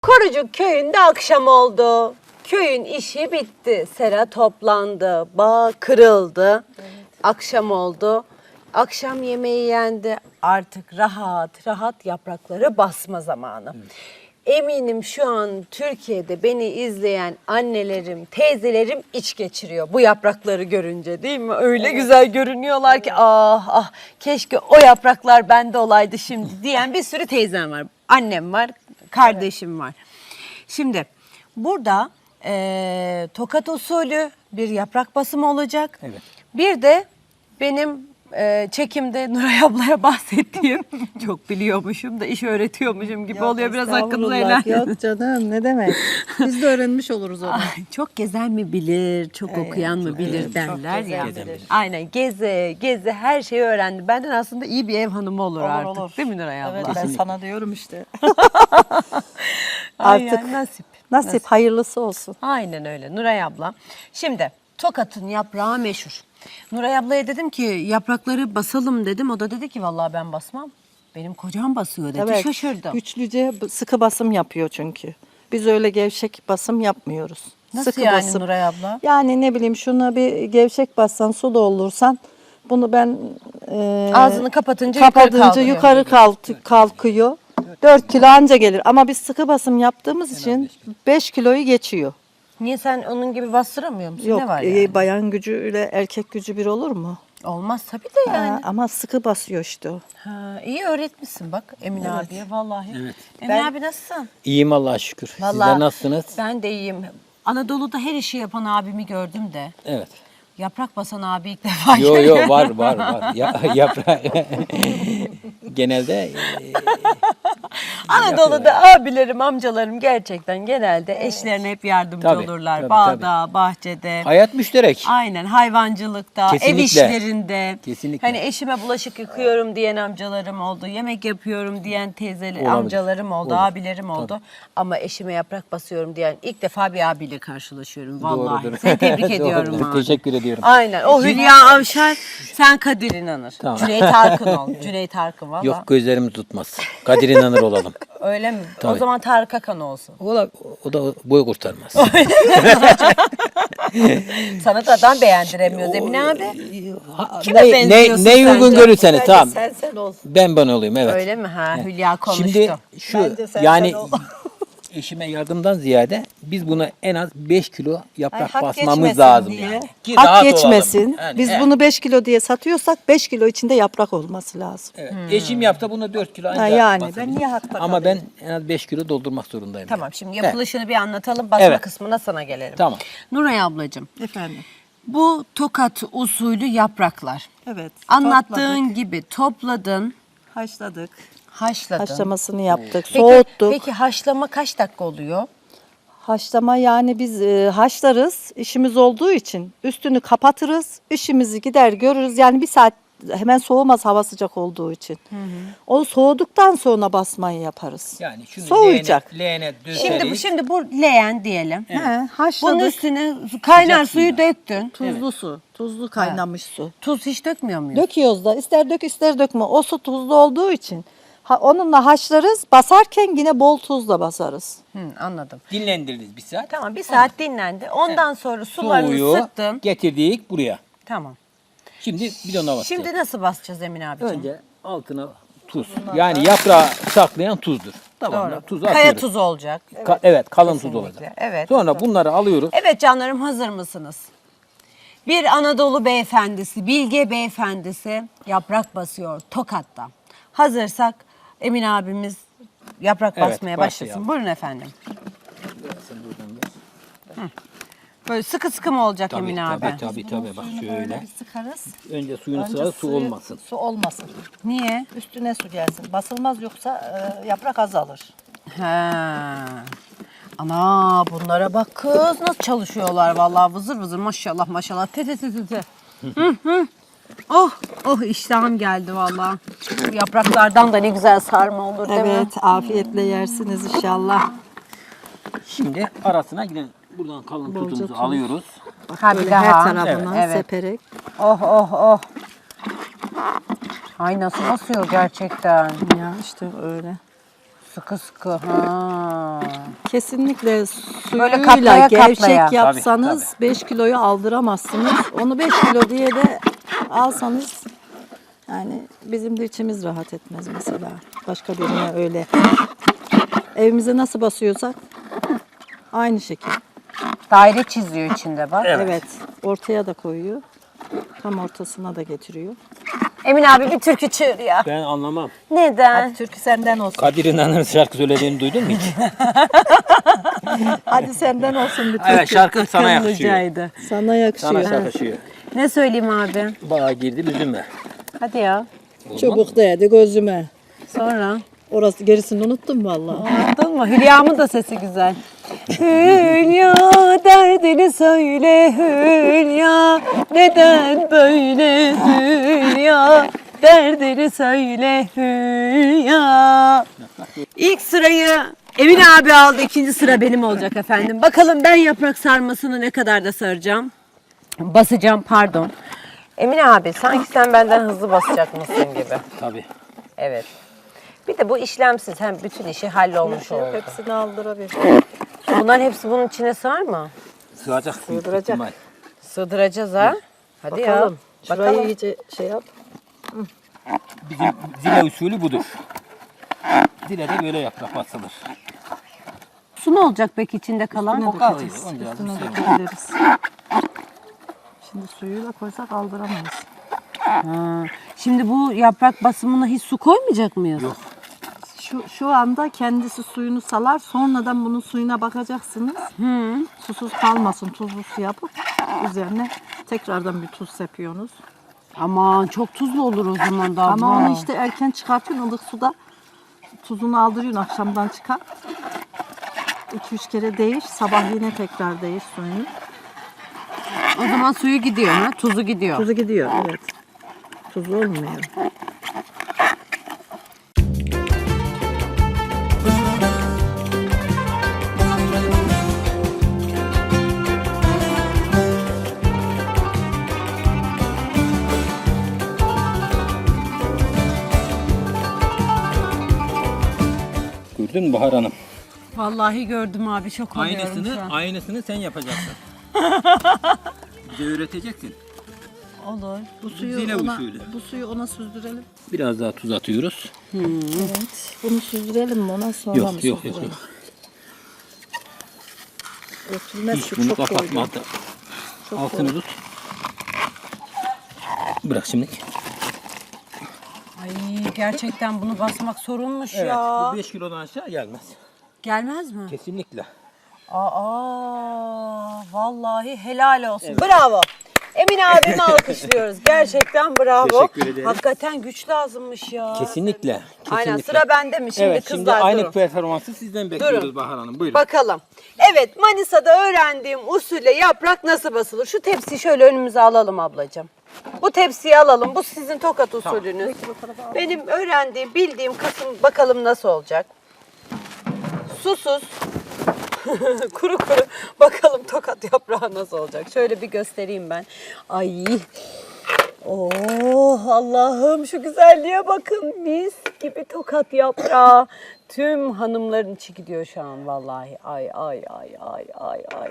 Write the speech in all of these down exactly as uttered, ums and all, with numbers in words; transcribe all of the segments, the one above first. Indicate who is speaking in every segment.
Speaker 1: Korucuk köyünde akşam oldu. Köyün işi bitti. Sera toplandı. Bağ kırıldı. Evet. Akşam oldu. Akşam yemeği yendi. Artık rahat rahat yaprakları basma zamanı. Evet. Eminim şu an Türkiye'de beni izleyen annelerim, teyzelerim iç geçiriyor bu yaprakları görünce, değil mi? Öyle evet. güzel görünüyorlar evet. ki ah ah keşke o yapraklar bende olaydı şimdi diyen bir sürü teyzem var. Annem var, kardeşim evet. var. Şimdi burada e, tokat usulü bir yaprak basımı olacak. Evet. Bir de benim e, çekimde Nuray ablaya bahsettiğim, çok biliyormuşum da iş öğretiyormuşum gibi yok, oluyor. Biraz hakkınızı helal.
Speaker 2: Yok canım, ne demek. Biz de öğrenmiş oluruz onu.
Speaker 1: Ay, çok gezen mi bilir, çok evet, okuyan mı bilir evet, derler ya. Bilir. Aynen, geze geze her şeyi öğrendi. Benden aslında iyi bir ev hanımı olur, olur artık. Olur. Değil mi Nuray abla?
Speaker 2: Evet, ben sana diyorum işte.
Speaker 1: Artık yani nasip.
Speaker 2: Nasip, nasip hayırlısı olsun.
Speaker 1: Aynen öyle Nuray abla. Şimdi Tokat'ın yaprağı meşhur. Nuray ablaya dedim ki yaprakları basalım dedim. O da dedi ki vallahi ben basmam. Benim kocam basıyor dedi. Evet, şaşırdım.
Speaker 2: Güçlüce sıkı basım yapıyor çünkü. Biz öyle gevşek basım yapmıyoruz.
Speaker 1: Nasıl
Speaker 2: sıkı
Speaker 1: yani
Speaker 2: basım.
Speaker 1: Nuray abla?
Speaker 2: Yani ne bileyim şuna bir gevşek bassan, su doldursan bunu ben e,
Speaker 1: ağzını kapatınca,
Speaker 2: kapatınca
Speaker 1: yukarı,
Speaker 2: yukarı kalk, kalkıyor. dört kilo anca gelir ama biz sıkı basım yaptığımız için beş kiloyu geçiyor.
Speaker 1: Niye, sen onun gibi bastıramıyor musun?
Speaker 2: Yok,
Speaker 1: ne var yani?
Speaker 2: bayan gücüyle erkek gücü bir olur mu?
Speaker 1: Olmaz tabii de yani.
Speaker 2: Ha, ama sıkı basıyor işte o.
Speaker 1: Ha, iyi öğretmişsin bak Emin evet. abiye vallahi. Evet. Emin
Speaker 3: ben,
Speaker 1: abi nasılsın?
Speaker 3: İyiyim Allah'a şükür. Vallahi, sizler nasılsınız?
Speaker 1: Ben de iyiyim. Anadolu'da her işi yapan abimi gördüm de.
Speaker 3: Evet.
Speaker 1: Yaprak basan abi ilk defa
Speaker 3: görüyorum. Yok yok var var var. Ya, yaprak. Genelde e,
Speaker 1: Anadolu'da yapıyorlar. Abilerim, amcalarım gerçekten genelde evet. eşlerine hep yardımcı tabii, olurlar. Tabii, Bağda, tabii. bahçede.
Speaker 3: Hayat müşterek.
Speaker 1: Aynen, hayvancılıkta, kesinlikle. Ev işlerinde.
Speaker 3: Kesinlikle.
Speaker 1: Hani eşime bulaşık yıkıyorum diyen amcalarım oldu. Yemek yapıyorum diyen teyzeler, amcalarım oldu, olur. abilerim oldu. Tabii. Ama eşime yaprak basıyorum diyen ilk defa bir abiyle karşılaşıyorum vallahi. Doğrudur. Seni tebrik ediyorum abi.
Speaker 3: Teşekkür ediyorum.
Speaker 1: Aynen. O Hülya Avşar, sen Kadir İnanır. Tamam. Cüneyt Arkın ol. Cüneyt Arkın valla.
Speaker 3: Yok, gözlerimiz tutmaz. Kadir İnanır olalım.
Speaker 1: Öyle mi? Tabii. O zaman Tarık Akan olsun.
Speaker 3: O da, o da boy kurtarmaz.
Speaker 1: Sana da adam beğendiremiyoruz Emine abi.
Speaker 3: Kime ne, benziyorsun ne, ne uygun görürseniz tamam.
Speaker 2: Sen sen ol.
Speaker 3: Ben ben olayım evet.
Speaker 1: Öyle mi? Ha, evet. Hülya konuştu.
Speaker 3: Şimdi şu
Speaker 2: Bence sen
Speaker 3: yani
Speaker 2: sen
Speaker 3: eşime yardımdan ziyade biz buna en az beş kilo yaprak
Speaker 2: Ay,
Speaker 3: basmamız lazım
Speaker 2: diye.
Speaker 3: yani.
Speaker 2: Ki hak geçmesin. Yani, biz evet. bunu beş kilo diye satıyorsak beş kilo içinde yaprak olması lazım.
Speaker 3: Evet. Hmm. Eşim yaptı bunu dört kilo ancak.
Speaker 2: Ha, yani basabilir. Ben niye hakta
Speaker 3: Ama kalayım? Ben en az beş kilo doldurmak zorundayım.
Speaker 1: Tamam yani. Şimdi yapılışını evet. bir anlatalım. Basma evet. kısmına sana gelelim.
Speaker 3: Tamam.
Speaker 1: Nuray ablacığım.
Speaker 2: Efendim.
Speaker 1: Bu Tokat usulü yapraklar.
Speaker 2: Evet.
Speaker 1: Anlattığın topladık. gibi topladın.
Speaker 2: Haşladık.
Speaker 1: Haşladın.
Speaker 2: Haşlamasını yaptık.
Speaker 1: Peki,
Speaker 2: soğuttuk.
Speaker 1: Peki haşlama kaç dakika oluyor?
Speaker 2: Haşlama yani biz e, haşlarız, işimiz olduğu için üstünü kapatırız, işimizi gider görürüz. Yani bir saat hemen soğumaz hava sıcak olduğu için. Hı hı. O soğuduktan sonra basmayı yaparız.
Speaker 3: Yani şunu
Speaker 2: soğuyacak.
Speaker 3: Leğene, leğene
Speaker 1: şimdi bu şimdi bu leğen diyelim.
Speaker 2: Evet. He, haşladık.
Speaker 1: Bunun üstüne kaynar suyu suyla. döktün.
Speaker 2: Tuzlu evet. su, tuzlu kaynamış ha. su.
Speaker 1: Tuz hiç dökmüyor muyuz?
Speaker 2: Döküyoruz da, ister dök ister dökme. O su tuzlu olduğu için. Ha, onunla haşlarız. Basarken yine bol tuzla basarız.
Speaker 1: Hı, anladım.
Speaker 3: Dinlendiririz bir saat.
Speaker 1: Tamam, bir saat evet. dinlendi. Ondan evet. sonra sularını Soğuyu sıktın.
Speaker 3: Getirdik buraya.
Speaker 1: Tamam.
Speaker 3: Şimdi bidona basacağız.
Speaker 1: Şimdi nasıl basacağız Emine abiciğim?
Speaker 3: Önce altına tuz. Bunlar yani da... yaprağı saklayan tuzdur. Tamam.
Speaker 1: Doğru.
Speaker 3: Tuzu
Speaker 1: Kaya
Speaker 3: atıyoruz.
Speaker 1: tuzu olacak.
Speaker 3: Evet, Ka evet kalın Kesinlikle. tuz olacak.
Speaker 1: Evet.
Speaker 3: Sonra bunları alıyoruz.
Speaker 1: Evet canlarım, hazır mısınız? Bir Anadolu beyefendisi, Bilge beyefendisi yaprak basıyor Tokat'ta. Hazırsak Emin abimiz yaprak evet, basmaya başlasın. Başlayalım. Buyurun efendim. Hı. Böyle sıkı sıkı mı olacak
Speaker 3: tabii,
Speaker 1: Emin
Speaker 3: tabii,
Speaker 1: abi?
Speaker 3: Tabii tabii bak şöyle.
Speaker 2: Sıkarız.
Speaker 3: Önce suyunu
Speaker 2: Önce
Speaker 3: sıkarız, su olmasın.
Speaker 2: Su olmasın.
Speaker 1: Niye?
Speaker 2: Üstüne su gelsin. Basılmaz yoksa e, yaprak azalır.
Speaker 1: He. Ana bunlara bak kız, nasıl çalışıyorlar vallahi, vızır vızır maşallah maşallah. Te te te te te. Hı hı. Oh oh iştahım geldi vallahi. Bu yapraklardan da ne güzel sarma olur değil
Speaker 2: evet,
Speaker 1: mi?
Speaker 2: Evet, afiyetle yersiniz inşallah.
Speaker 3: Şimdi arasına gidelim. Buradan kalın Bolca tutumuzu tuz. alıyoruz.
Speaker 2: Ha, böyle her tarafından evet. seperek.
Speaker 1: Oh oh oh. Ay nasıl basıyor gerçekten.
Speaker 2: Ya işte öyle.
Speaker 1: Sıkı sıkı. Ha.
Speaker 2: Kesinlikle
Speaker 1: Böyle
Speaker 2: suyuyla
Speaker 1: katlaya
Speaker 2: gevşek
Speaker 1: katlaya.
Speaker 2: yapsanız beş kiloyu aldıramazsınız. Onu beş kilo diye de alsanız yani bizim de içimiz rahat etmez mesela. Başka birine öyle. Evimize nasıl basıyorsak aynı şekil.
Speaker 1: Daire çiziyor içinde bak.
Speaker 2: Evet. Ortaya da koyuyor. Tam ortasına da getiriyor.
Speaker 1: Emin abi bir türkü çığır ya.
Speaker 3: Ben anlamam.
Speaker 1: Neden?
Speaker 2: Türkü senden olsun.
Speaker 3: Kadir İnanır'ın şarkı söylediğini duydun mu hiç?
Speaker 2: Hadi senden olsun bir türkü.
Speaker 3: Evet, şarkı sana yakışıyor.
Speaker 1: Kırmızıydı.
Speaker 2: Sana yakışıyor.
Speaker 3: Sana yakışıyor.
Speaker 1: Ne söyleyeyim abi?
Speaker 3: Bağa girdi üzülme.
Speaker 1: Hadi ya.
Speaker 2: Çubuk değdi gözüme.
Speaker 1: Sonra.
Speaker 2: Orası gerisini unuttum vallahi.
Speaker 1: Unuttun mu? Hülya'mın da sesi güzel. Hülya derdini söyle Hülya. Neden böyle Hülya? Derdini söyle Hülya. İlk sırayı Emin abi aldı. İkinci sıra benim olacak efendim. Bakalım ben yaprak sarmasını ne kadar da saracağım. Basacağım pardon. Emin abi sanki sen benden hızlı basacak mısın gibi.
Speaker 3: Tabii.
Speaker 1: Evet. Bir de bu işlemsiz hem bütün işi hallolmuş oldu.
Speaker 2: Hepsini aldırabilir.
Speaker 1: Bunların hepsi bunun içine sığar mı?
Speaker 3: Sığacak.
Speaker 2: Sığdıracak.
Speaker 3: ihtimal.
Speaker 1: Sığdıracağız ha. Hadi
Speaker 2: Bakalım.
Speaker 1: ya.
Speaker 2: Şurayı
Speaker 1: Bakalım.
Speaker 2: iyice şey yap.
Speaker 3: Bizim zile usulü budur. Zile de böyle yaprak basılır.
Speaker 1: Su ne olacak peki içinde kalan?
Speaker 3: O kalıyor. Onca
Speaker 2: Üstüne
Speaker 3: bir şey yok.
Speaker 2: dökebiliriz. Şimdi suyuyla koysak aldıramayız.
Speaker 1: Ha. Şimdi bu yaprak basımına hiç su koymayacak mıyız?
Speaker 3: Yok.
Speaker 2: Şu, şu anda kendisi suyunu salar. Sonradan bunun suyuna bakacaksınız. Susuz kalmasın. Tuzlu su yapıp üzerine tekrardan bir tuz sepiyorsunuz.
Speaker 1: Aman çok tuzlu olur o zaman da.
Speaker 2: Ama
Speaker 1: abla.
Speaker 2: onu işte erken çıkartıyorsun. Ilık suda tuzunu aldırıyorsun. Akşamdan çıkar. iki üç kere değiş. Sabah yine tekrar değiş suyunu.
Speaker 1: O zaman suyu gidiyor ha? Tuzu gidiyor.
Speaker 2: Tuzu gidiyor. Evet. Tuzlu olmuyor.
Speaker 3: Gördün mü Bahar Hanım?
Speaker 1: Vallahi gördüm abi çok oluyorum şu
Speaker 3: Aynısını,
Speaker 1: an.
Speaker 3: aynısını sen yapacaksın. Bize öğreteceksin.
Speaker 2: Olur. Bu suyu
Speaker 3: Zile
Speaker 2: ona,
Speaker 3: usulü.
Speaker 2: bu suyu ona süzdürelim.
Speaker 3: Biraz daha tuz atıyoruz.
Speaker 2: Evet. Bunu süzdürelim mi ona sonra mı
Speaker 3: Yok yok yok.
Speaker 2: süzdürelim?
Speaker 3: yok.
Speaker 2: Örtülmez
Speaker 3: Hiç
Speaker 2: ki
Speaker 3: bunu
Speaker 2: çok
Speaker 3: kapatma.
Speaker 2: koydu. Çok
Speaker 3: Altını
Speaker 2: koydu.
Speaker 3: tut. Bırak şimdi.
Speaker 1: Ay gerçekten bunu basmak sorunmuş
Speaker 3: Evet,
Speaker 1: ya.
Speaker 3: bu beş kilodan aşağı gelmez.
Speaker 1: Gelmez mi?
Speaker 3: Kesinlikle.
Speaker 1: Aa, vallahi helal olsun. Bravo. Emin abimi alkışlıyoruz. Gerçekten bravo.
Speaker 3: Teşekkür ederim.
Speaker 1: Hakikaten güç lazımmış ya.
Speaker 3: Kesinlikle. Kesinlikle.
Speaker 1: Aynen sıra bende mi? Şimdi
Speaker 3: Evet,
Speaker 1: kızlar
Speaker 3: şimdi aynı
Speaker 1: durun.
Speaker 3: performansı sizden bekliyoruz Bahar Hanım. Buyurun.
Speaker 1: Bakalım. Evet Manisa'da öğrendiğim usulle yaprak nasıl basılır? Şu tepsiyi şöyle önümüze alalım ablacığım. Bu tepsiyi alalım. Bu sizin Tokat usulünüz. Benim öğrendiğim, bildiğim kısım bakalım nasıl olacak. Susuz. Kuru kuru. Bakalım Tokat yaprağı nasıl olacak. Şöyle bir göstereyim ben. Ay. Oh Allah'ım şu güzelliğe bakın. Mis gibi Tokat yaprağı. Tüm hanımların içi gidiyor şu an vallahi. Ay ay ay ay ay ay.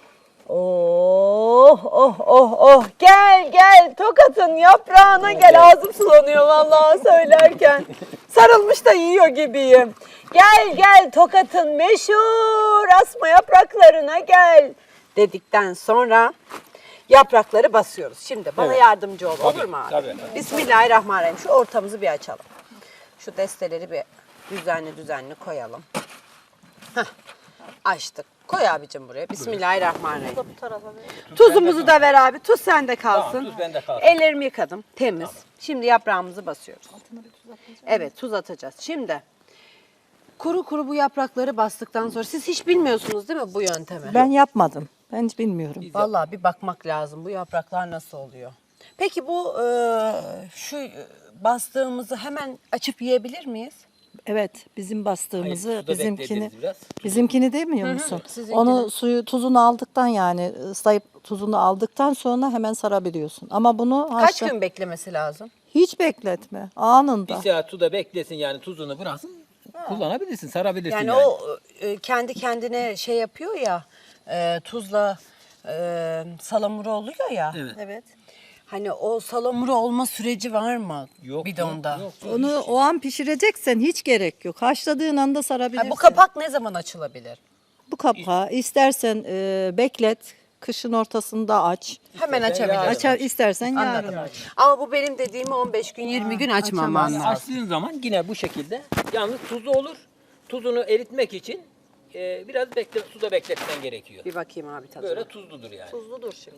Speaker 1: Oh oh oh oh. Gel gel Tokat'ın yaprağına gel. Ağzım sulanıyor vallahi söylerken. Sarılmış da yiyor gibiyim. Gel gel Tokat'ın meşhur asma yapraklarına gel dedikten sonra yaprakları basıyoruz. Şimdi bana
Speaker 3: Evet.
Speaker 1: yardımcı ol
Speaker 3: Tabii,
Speaker 1: olur mu abi?
Speaker 3: tabii efendim.
Speaker 1: Bismillahirrahmanirrahim. Şu ortamızı bir açalım. Şu desteleri bir düzenli düzenli koyalım. Heh, açtık. Koy abicim buraya. Bismillahirrahmanirrahim. Tuzumuzu da ver abi. Tuz sende kalsın.
Speaker 3: Tamam, tuz bende kalsın.
Speaker 1: Ellerimi yıkadım. Temiz. Şimdi yaprağımızı basıyoruz. Evet tuz atacağız. Şimdi kuru kuru bu yaprakları bastıktan sonra siz hiç bilmiyorsunuz değil mi bu yöntemi?
Speaker 2: Ben yapmadım. Ben hiç bilmiyorum.
Speaker 1: Vallahi bir bakmak lazım bu yapraklar nasıl oluyor. Peki bu e, şu bastığımızı hemen açıp yiyebilir miyiz?
Speaker 2: Evet, bizim bastığımızı,
Speaker 3: Hayır, suda
Speaker 2: bizimkini,
Speaker 3: bekletiriz biraz.
Speaker 2: bizimkini demiyor musun?
Speaker 1: sizinkini.
Speaker 2: Onu suyu tuzunu aldıktan yani ıslayıp tuzunu aldıktan sonra hemen sarabiliyorsun. Ama bunu
Speaker 1: Kaç
Speaker 2: haşla-
Speaker 1: gün beklemesi lazım?
Speaker 2: hiç bekletme, anında.
Speaker 3: Bir saat suda beklesin yani tuzunu bıraksın. Kullanabilirsin, sarabilirsin
Speaker 1: Yani,
Speaker 3: yani.
Speaker 1: o e, kendi kendine şey yapıyor ya, e, tuzla e, salamura oluyor ya.
Speaker 3: Evet.
Speaker 2: Evet.
Speaker 1: Hani o salamura olma süreci var mı
Speaker 3: Yok,
Speaker 1: bidonda?
Speaker 3: yok, yok.
Speaker 2: Onu o an pişireceksen hiç gerek yok. Haşladığın anda sarabilirsin.
Speaker 1: Ha, bu kapak ne zaman açılabilir?
Speaker 2: Bu kapağı istersen e, beklet, kışın ortasında aç.
Speaker 1: Hemen
Speaker 3: yarın
Speaker 1: açabilir.
Speaker 3: aç.
Speaker 2: Açar istersen yarın
Speaker 1: Anladım.
Speaker 2: aç.
Speaker 1: Ama bu benim dediğimi on beş gün yirmi gün açmaman
Speaker 3: Yani
Speaker 1: lazım.
Speaker 3: açtığın zaman yine bu şekilde. Yalnız tuzlu olur. Tuzunu eritmek için e, biraz bekle, suda bekletmen gerekiyor.
Speaker 1: Bir bakayım abi tadına.
Speaker 3: Böyle tuzludur yani.
Speaker 2: Tuzludur şimdi.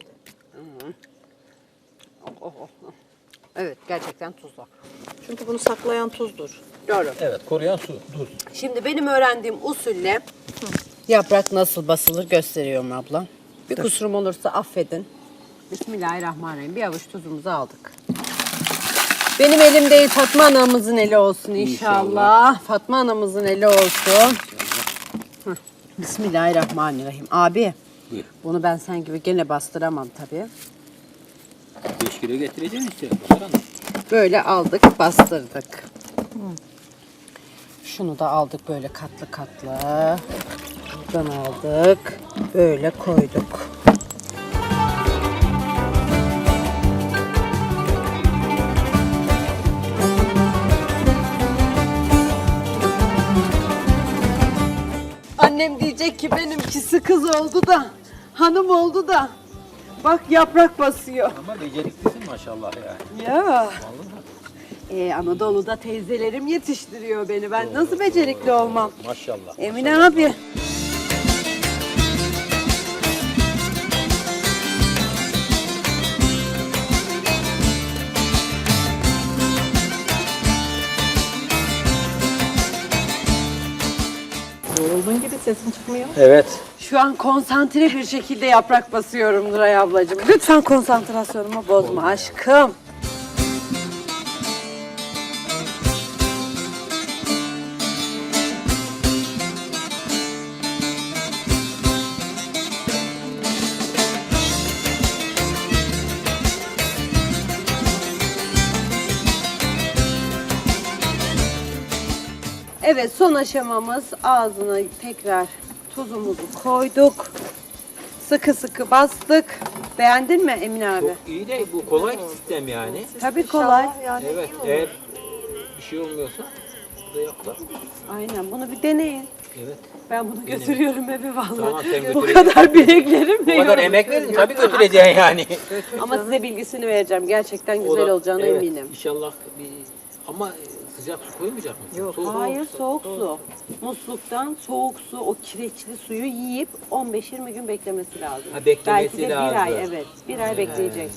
Speaker 1: Oh, oh, oh. Evet, gerçekten tuzlu.
Speaker 2: Çünkü bunu saklayan tuzdur.
Speaker 1: Doğru.
Speaker 3: Evet, koruyan su, tuz.
Speaker 1: Şimdi benim öğrendiğim usulle yaprak nasıl basılır gösteriyorum abla. Bir kusurum olursa affedin. Bismillahirrahmanirrahim. Bir avuç tuzumuzu aldık. Benim elim değil, Fatma anamızın eli olsun inşallah.
Speaker 3: İnşallah.
Speaker 1: Fatma anamızın eli olsun. Heh. Bismillahirrahmanirrahim. Abi,
Speaker 3: Buyur.
Speaker 1: bunu ben sen gibi gene bastıramam tabii.
Speaker 3: beş kilo getireceğim işte. Bakalım.
Speaker 1: Böyle aldık, bastırdık. Şunu da aldık böyle katlı katlı. Buradan aldık, böyle koyduk. Annem diyecek ki benimkisi kız oldu da, hanım oldu da. Bak yaprak basıyor.
Speaker 3: Ama beceriklisin maşallah yani.
Speaker 1: Ya. Ee, Anadolu'da teyzelerim yetiştiriyor beni. Ben nasıl becerikli olmam?
Speaker 3: Maşallah.
Speaker 1: Emine abi.
Speaker 2: Yorulduğun gibi sesin çıkmıyor.
Speaker 3: Evet.
Speaker 1: Şu an konsantre bir şekilde yaprak basıyorum Nuray ablacığım. Lütfen konsantrasyonumu bozma aşkım. Evet, son aşamamız, ağzına tekrar tuzumuzu koyduk. Sıkı sıkı bastık. Beğendin mi Emine abi?
Speaker 3: Çok iyi de bu kolay sistem yani.
Speaker 1: Tabii kolay.
Speaker 2: Yani
Speaker 3: Evet, eğer bir şey olmuyorsa bu da yapılır.
Speaker 1: Aynen, bunu bir deneyin.
Speaker 3: Evet.
Speaker 1: Ben bunu götürüyorum eve vallahi.
Speaker 3: Tamam, sen
Speaker 1: Bu
Speaker 3: götüreceksin.
Speaker 1: kadar bileklerimle
Speaker 3: Bu kadar
Speaker 1: yorum
Speaker 3: emek verin
Speaker 1: söylüyorum.
Speaker 3: tabii götüreceksin yani.
Speaker 1: Ama size bilgisini vereceğim. Gerçekten
Speaker 3: O
Speaker 1: güzel
Speaker 3: da-
Speaker 1: olacağına
Speaker 3: evet,
Speaker 1: eminim.
Speaker 3: İnşallah bir ama sıcak su koymayacak mısın? Yok.
Speaker 1: Hayır, soğuk su. Musluktan soğuk su, o kireçli suyu yiyip on beş yirmi gün beklemesi lazım.
Speaker 3: Ha, beklemesi
Speaker 1: Belki de
Speaker 3: lazım.
Speaker 1: bir ay, evet. Bir ay bekleyecek.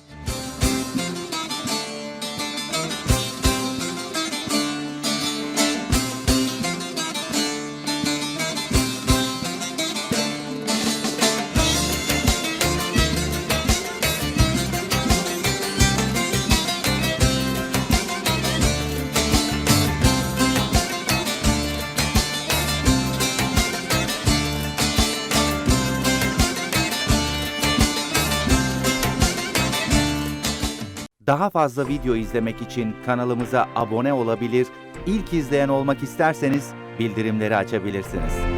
Speaker 4: Daha fazla video izlemek için kanalımıza abone olabilir, ilk izleyen olmak isterseniz bildirimleri açabilirsiniz.